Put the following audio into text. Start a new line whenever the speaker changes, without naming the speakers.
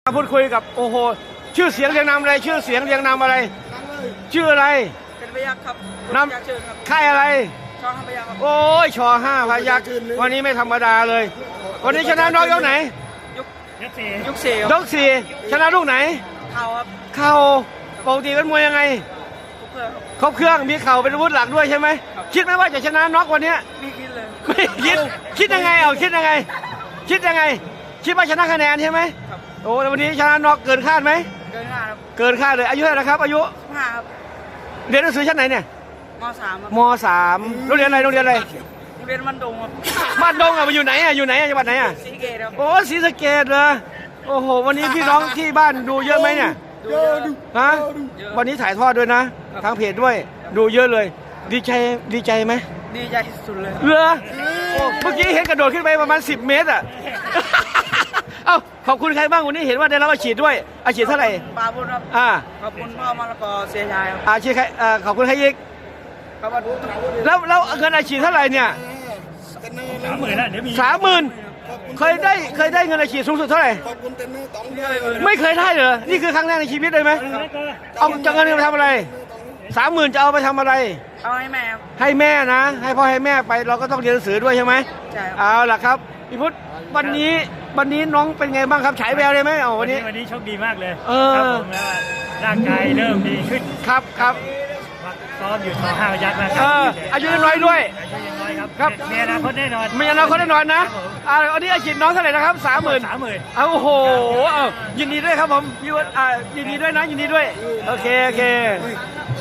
พูดคุยกับโอ้โหชื่อเสียงเรียงนามอะไรชื่อเสียงเรียงนามอะไรชื่ออะไร
เป็นพยักครับ
นามค่ายอะไร
ช่องพยักครับ
โอ้ยชอห้าพยักวันนี้ไม่ธรรมดาเลยวันนี้ชนะน้องยกไหน
ยกสี่
ยกสี่ชนะลูกไหน
เข่าครับ
เข่าปกติเป็นมวยยังไงครบเครื่องมีเข่าเป็นอาวุธหลักด้วยใช่ไหมคิดไหมว่าจะชนะน็อกวันนี้
ไม่คิดเลย
ไม่คิดยังไงคิดยังไงคิดยังไงคิดว่าชนะคะแนนใช่ไหมโอ้แล้ววันนี้ชนะน็อกเกินคาดไหม
เกินคาดครับ
เกินคาดเลยอายุเท่าไหร่ครับอายุ
15ครับ
เรียนหนังสือชั้นไหนเนี่ย
ม
.3 โรงเรียนอะไรโรงเรียนอะไร
โรงเรียนบ้านดงครับ
บ้านดงอยู่ไหนอยู่ไหนจังหวัดไหน
ศรีสะเกษครับ
โอ้ศรีสะเกษเหรอโอ้โหวันนี้พี่น้องที่บ้านดูเยอะไหมเนี่ยฮะวันนี้ถ่ายทอดด้วยนะทางเพจด้วยดูเยอะเลยดีใจไหม
ดีใจสุดเลย
เหรอเมื่อกี้เห็นกระโดดขึ้นไปประมาณ10 เมตรอ่ะเอ้าขอบคุณใครบ้างวันนี้เห็นว่าได้รับอาชีพด้วยอาชีพเท่าไหร่
ปาบุญครับขอบคุณพ่อมรกรเสียชายครับ
อาชีพใครขอบคุณใครอีกแล้วเงินอาชีพเท่าไหร่เนี่ย
30,000นะเดี๋ยวมี
30,000เคยได้เงินอาชีพสูงสุดเท่าไหร่ไม่เคยได้เหรอนี่คือครั้งแรกในชีวิตเลยไหมเอาจะเงินไปทำอะไร30,000จะเอาไปทำอะไร
เอาให้แม่
ให้แม่นะให้พ่อให้แม่ไปเราก็ต้องเรียนหนังสือด้วยใช่ไหม
ใช่
เอาล่ะครับพี่พุทธวันนี้น้องเป็นไงบ้างครับฉายแววเลยไหม
วันนี้โชคดีมากเลย
ครับ
ผมแล้วร่างกายเริ่มดีขึ้น
ครับ
ซ้อมอยู่ต่อ5 ยักษ์นะครั
อายุน้อยด้วย
อายุยังน้อยครับมีอนาคตแน่นอน
มีอนาคตแน่นอนนะอันนี้อาชีพน้องเท่าไหร่นะครับ30,000โอ้โหยินดีด้วยครับผมยินดีด้วยนะยินดีด้วยโอเค